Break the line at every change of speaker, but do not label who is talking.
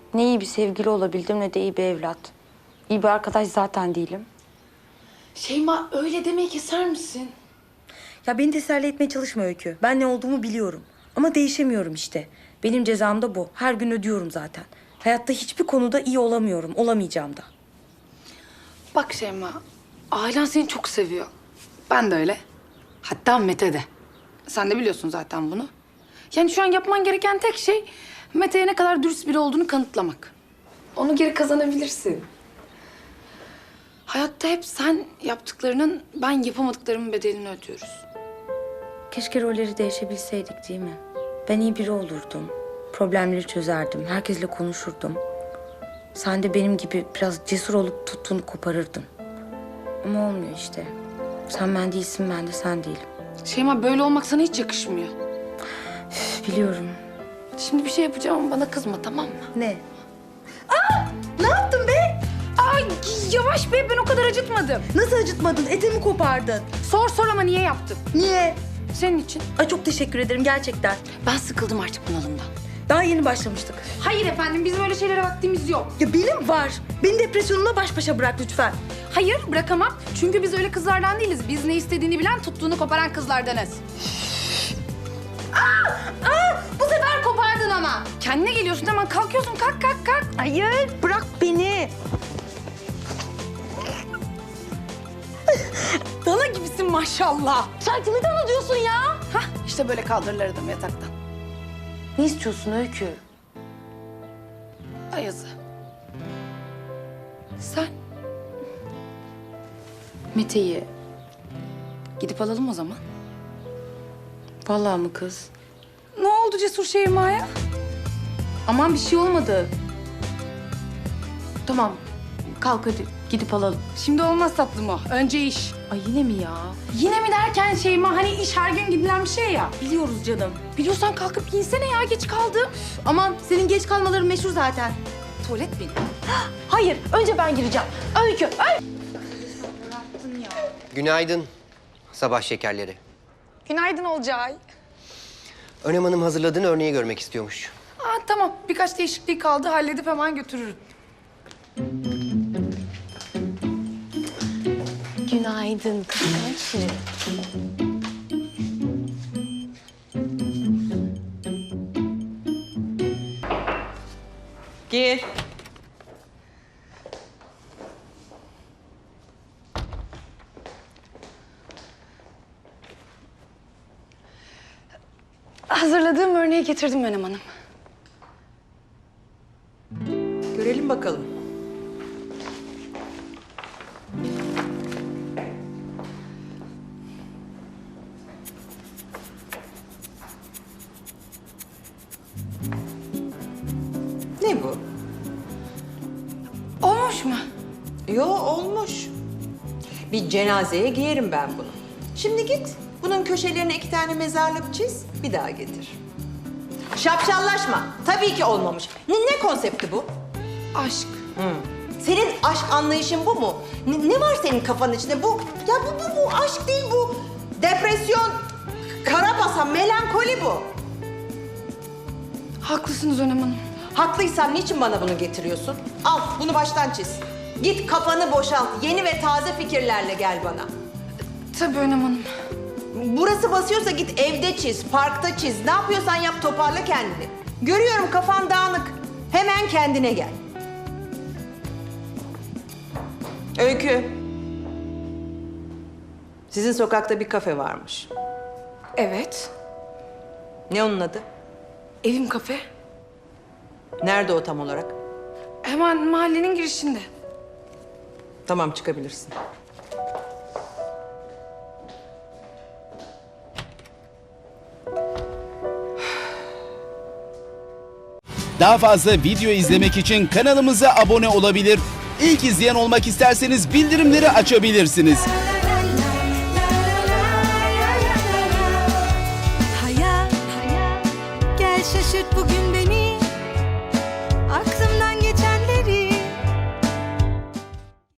Ne iyi bir sevgili olabildim ne de iyi bir evlat. İyi bir arkadaş zaten değilim.
Şeyma öyle demeyi keser misin?
Ya beni teselli etmeye çalışma Öykü. Ben ne olduğumu biliyorum. Ama değişemiyorum işte. Benim cezam da bu. Her gün ödüyorum zaten. Hayatta hiçbir konuda iyi olamıyorum. Olamayacağım da.
Bak Şeyma, ailen seni çok seviyor. Ben de öyle. Hatta Mete de. Sen de biliyorsun zaten bunu. Yani şu an yapman gereken tek şey Mete'ye ne kadar dürüst biri olduğunu kanıtlamak. Onu geri kazanabilirsin. Hayatta hep sen yaptıklarının, ben yapamadıklarımın bedelini ödüyoruz.
Keşke rolleri değişebilseydik değil mi? Ben iyi biri olurdum. Problemleri çözerdim. Herkesle konuşurdum. Sen de benim gibi biraz cesur olup tuttuğunu koparırdın. Ama olmuyor işte. Sen ben değilsin, ben de sen değilim.
Şeyma böyle olmak sana hiç yakışmıyor.
Üf, biliyorum.
Şimdi bir şey yapacağım ama bana kızma, tamam mı?
Ne? Ne yaptın be?
Ay yavaş be, ben o kadar acıtmadım.
Nasıl acıtmadın? Etimi kopardın.
Sor ama niye yaptım?
Niye?
Senin için.
Ay çok teşekkür ederim gerçekten.
Ben sıkıldım artık bunalımdan.
Daha yeni başlamıştık.
Hayır efendim, bizim öyle şeylere vaktimiz yok.
Ya benim var. Beni depresyonumla baş başa bırak lütfen.
Hayır, bırakamam. Çünkü biz öyle kızlardan değiliz. Biz ne istediğini bilen, tuttuğunu koparan kızlardanız. Bu sefer kopardın ama. Kendine geliyorsun, hemen kalkıyorsun. Kalk.
Hayır, bırak beni.
Dana gibisin maşallah.
Sen kimi dana diyorsun ya?
Hah, işte böyle kaldırırlar adamı yataktan.
Ne istiyorsun Öykü?
Ayazı. Sen
Mete'yi.
gidip alalım o zaman.
Vallahi mı kız?
Ne oldu Cesur Şeyma'ya?
Aman bir şey olmadı. Tamam, kalk hadi gidip alalım.
Şimdi olmaz tatlım o. Önce iş.
Ay yine mi ya?
Yine mi derken Şeyma, hani iş her gün gidilen bir şey ya.
Biliyoruz canım.
Biliyorsan kalkıp giyinsene ya, geç kaldım.
Aman senin geç kalmaların meşhur zaten.
Tuvalet benim.
Hayır, önce ben gireceğim. Öykü,
Günaydın sabah şekerleri.
Günaydın Olcay.
Önem Hanım hazırladığın örneği görmek istiyormuş.
Aa, tamam, birkaç değişikliği kaldı, halledip hemen götürürüm.
Günaydın kıskançım.
Gir.
Hazırladığım örneği getirdim Önem Hanım.
Görelim bakalım. Ne bu?
Olmuş mu?
Yo, olmuş. Bir cenazeye giyerim ben bunu. Şimdi git, bunun köşelerine 2 tane mezarlık çiz, bir daha getir. Şapşallaşma. Tabii ki olmamış. Ne konsepti bu?
Aşk.
Senin aşk anlayışın bu mu? Ne var senin kafanın içinde? Bu aşk değil bu. Depresyon, karabasan, melankoli bu.
Haklısınız Önem Hanım.
Haklıysan niçin bana bunu getiriyorsun? Al, bunu baştan çiz. Git kafanı boşalt, yeni ve taze fikirlerle gel bana.
Tabii Önem Hanım.
Burası basıyorsa git evde çiz, parkta çiz. Ne yapıyorsan yap, toparla kendini. Görüyorum kafan dağınık. Hemen kendine gel. Öykü. Sizin sokakta bir kafe varmış.
Evet.
Ne onun adı?
Evim kafe.
Nerede o tam olarak?
Hemen mahallenin girişinde.
Tamam, çıkabilirsin.
Daha fazla video izlemek için kanalımıza abone olabilir. İlk izleyen olmak isterseniz bildirimleri açabilirsiniz.
Hayat, gel şaşırt bugün beni.